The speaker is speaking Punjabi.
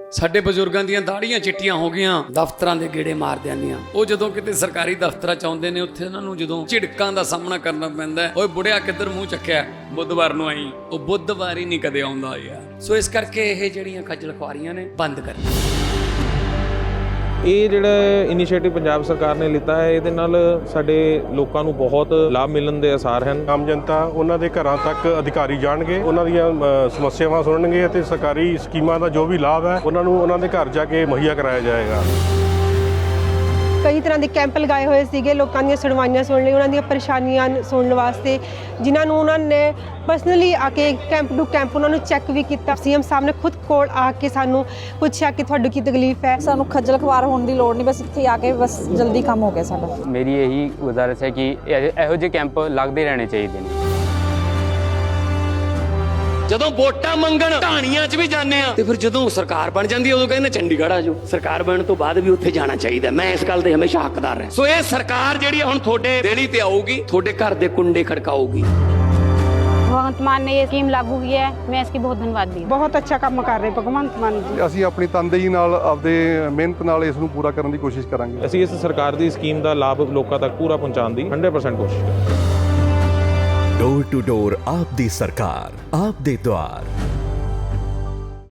ਸਾਡੇ ਬਜ਼ੁਰਗਾਂ ਦੀਆਂ ਦਾੜੀਆਂ ਚਿੱਟੀਆਂ ਹੋ ਗਈਆਂ ਦਫ਼ਤਰਾਂ ਦੇ ਗੇੜੇ ਮਾਰਦਿਆਂ ਦੀਆਂ। ਉਹ ਜਦੋਂ ਕਿਤੇ ਸਰਕਾਰੀ ਦਫ਼ਤਰਾਂ ਚ ਆਉਂਦੇ ਨੇ ਉੱਥੇ ਉਹਨਾਂ ਨੂੰ ਜਦੋਂ ਝਿੜਕਾਂ ਦਾ ਸਾਹਮਣਾ ਕਰਨਾ ਪੈਂਦਾ ਹੈ, ਓਏ ਬੁੜਿਆ ਕਿੱਧਰ ਮੂੰਹ ਚੱਕਿਆ, ਬੁੱਧਵਾਰ ਨੂੰ ਆਈ। ਉਹ ਬੁੱਧਵਾਰ ਹੀ ਨਹੀਂ ਕਦੇ ਆਉਂਦਾ ਯਾਰ। ਸੋ ਇਸ ਕਰਕੇ ਇਹ ਜਿਹੜੀਆਂ ਖੱਜਲ ਖੁਆਰੀਆਂ ਨੇ ਬੰਦ ਕਰਨੀਆਂ। ਇਹ ਜਿਹੜਾ ਇਨੀਸ਼ੀਏਟਿਵ ਪੰਜਾਬ ਸਰਕਾਰ ਨੇ ਲਿੱਤਾ ਹੈ, ਇਹਦੇ ਨਾਲ ਸਾਡੇ ਲੋਕਾਂ ਨੂੰ ਬਹੁਤ ਲਾਭ ਮਿਲਣ ਦੇ ਆਸਾਰ ਹਨ। ਆਮ ਜਨਤਾ ਉਹਨਾਂ ਦੇ ਘਰਾਂ ਤੱਕ ਅਧਿਕਾਰੀ ਜਾਣਗੇ, ਉਹਨਾਂ ਦੀਆਂ ਸਮੱਸਿਆਵਾਂ ਸੁਣਨਗੇ ਅਤੇ ਸਰਕਾਰੀ ਸਕੀਮਾਂ ਦਾ ਜੋ ਵੀ ਲਾਭ ਹੈ ਉਹਨਾਂ ਨੂੰ ਉਹਨਾਂ ਦੇ ਘਰ ਜਾ ਕੇ ਮੁਹੱਈਆ ਕਰਾਇਆ ਜਾਏਗਾ। ਕਈ ਤਰ੍ਹਾਂ ਦੇ ਕੈਂਪ ਲਗਾਏ ਹੋਏ ਸੀਗੇ ਲੋਕਾਂ ਦੀਆਂ ਸੁਣਵਾਈਆਂ ਸੁਣਨ ਲਈ, ਉਹਨਾਂ ਦੀਆਂ ਪਰੇਸ਼ਾਨੀਆਂ ਸੁਣਨ ਵਾਸਤੇ, ਜਿਨ੍ਹਾਂ ਨੂੰ ਉਹਨਾਂ ਨੇ ਪਰਸਨਲੀ ਆ ਕੇ ਕੈਂਪ ਟੂ ਕੈਂਪ ਉਹਨਾਂ ਨੂੰ ਚੈੱਕ ਵੀ ਕੀਤਾ। ਸੀਐਮ ਸਾਹਿਬ ਨੇ ਖੁਦ ਕੋਲ ਆ ਕੇ ਸਾਨੂੰ ਪੁੱਛਿਆ ਕਿ ਤੁਹਾਨੂੰ ਕੀ ਤਕਲੀਫ ਹੈ। ਸਾਨੂੰ ਖੱਜਲ ਖਵਾਰ ਹੋਣ ਦੀ ਲੋੜ ਨਹੀਂ, ਬਸ ਇੱਥੇ ਆ ਕੇ ਬਸ ਜਲਦੀ ਕੰਮ ਹੋ ਗਿਆ ਸਾਡਾ। ਮੇਰੀ ਇਹੀ ਗੁਜ਼ਾਰਿਸ਼ ਹੈ ਕਿ ਇਹੋ ਜਿਹੇ ਕੈਂਪ ਲੱਗਦੇ ਰਹਿਣੇ ਚਾਹੀਦੇ ਨੇ। ਜਦੋਂ ਵੋਟਾਂ ਮੰਗਣ ਢਾਣੀਆਂ 'ਚ ਵੀ ਜਾਂਦੇ ਆ ਤੇ ਫਿਰ ਜਦੋਂ ਸਰਕਾਰ ਬਣ ਜਾਂਦੀ ਹੈ ਉਦੋਂ ਕਹਿੰਦੇ ਚੰਡੀਗੜ੍ਹ ਆ ਜਾਓ। ਸਰਕਾਰ ਬਣਨ ਤੋਂ ਬਾਅਦ ਵੀ ਉੱਥੇ ਜਾਣਾ ਚਾਹੀਦਾ। ਮੈਂ ਇਸ ਗੱਲ ਦੇ ਹਮੇਸ਼ਾ ਹੱਕਦਾਰ ਹਾਂ। ਸੋ ਇਹ ਸਰਕਾਰ ਜਿਹੜੀ ਹੁਣ ਤੁਹਾਡੇ ਦੇਣੀ ਤੇ ਆਊਗੀ, ਤੁਹਾਡੇ ਘਰ ਦੇ ਕੁੰਡੇ ਖੜਕਾਊਗੀ। भगवंत मान ने ये स्कीम लागू की है, मैं इसकी बहुत धन्यवाद दी। ਬਹੁਤ ਅੱਛਾ ਕੰਮ ਕਰ ਰਹੇ ਭਗਵੰਤ ਮਾਨ ਜੀ। ਅਸੀਂ ਆਪਣੀ ਤਨਦੇਹੀ ਨਾਲ ਆਪਦੇ ਮਿਹਨਤ ਨਾਲ ਇਸ ਨੂੰ ਪੂਰਾ ਕਰਨ ਦੀ ਕੋਸ਼ਿਸ਼ ਕਰਾਂਗੇ। ਅਸੀਂ ਇਸ ਸਰਕਾਰ ਦੀ ਸਕੀਮ ਦਾ ਲਾਭ ਲੋਕਾਂ ਤੱਕ ਪੂਰਾ ਪਹੁੰਚਾਉਣ ਦੀ 100% ਕੋਸ਼ਿਸ਼ ਕਰਾਂਗੇ। ਡੋਰ ਟੂ ਡੋਰ ਆਪ ਦੀ ਸਰਕਾਰ, ਆਪ ਦੇ ਦੁਆਰ।